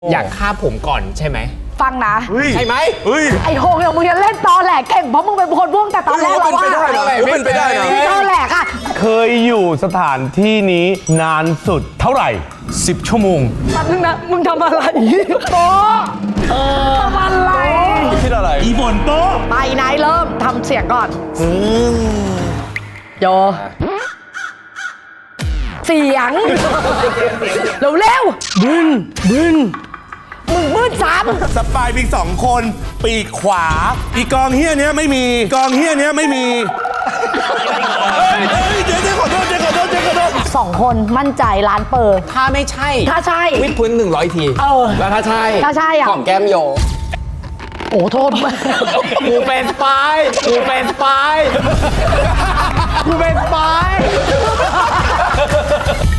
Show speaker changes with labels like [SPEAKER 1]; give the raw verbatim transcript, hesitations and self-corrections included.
[SPEAKER 1] อยากฆ่าผมก่อนใช่ไหม
[SPEAKER 2] ฟังนะ
[SPEAKER 1] ใช่ไหม
[SPEAKER 2] ไอ้โฮงเนี่ยมึงจะเล่นตอแหลกเก่งเพราะมึงเป็นคนพ่วงแต่ตอนแรกเราว่า
[SPEAKER 1] เป็นไปได้นะ
[SPEAKER 2] ตอแหลกอะ
[SPEAKER 3] เคยอยู่สถานที่นี้นานสุดเท่าไหร่
[SPEAKER 1] สิบชั่วโมง
[SPEAKER 2] แป๊บนึงนะมึงทำอะไรโต๊ะทำอะไร
[SPEAKER 3] คิดอะไร
[SPEAKER 1] อีฝนโต๊ะ
[SPEAKER 2] ไปไหนเริ่มทำเสียงก่อนโยเสียงเร็วเร็วๆบึ้นบึ้นมึงบึ้นซ้ำ
[SPEAKER 4] สปายมีสองคนปีกขวา อีกองเฮียเนี้ยไม่มีกองเฮียเนี้ยไม่มีเฮ้ยเฮ้ยเจ๊เจ๊ขอโทษเจ๊ขอโทษเจ๊ขอโทษ
[SPEAKER 2] สองคนมั่นใจร้านเปิด
[SPEAKER 1] ถ้าไม่ใช่
[SPEAKER 2] ถ้าใช่
[SPEAKER 1] วิดพื้นหนึ่งร้อยที
[SPEAKER 2] เออ
[SPEAKER 1] แล้วถ้าใช่
[SPEAKER 2] ถ้าใช่อะ
[SPEAKER 1] ของแก้มโย
[SPEAKER 2] โอ้โทษ
[SPEAKER 1] กูเป็นสปายกูเป็นสปายกูเป็นสปาย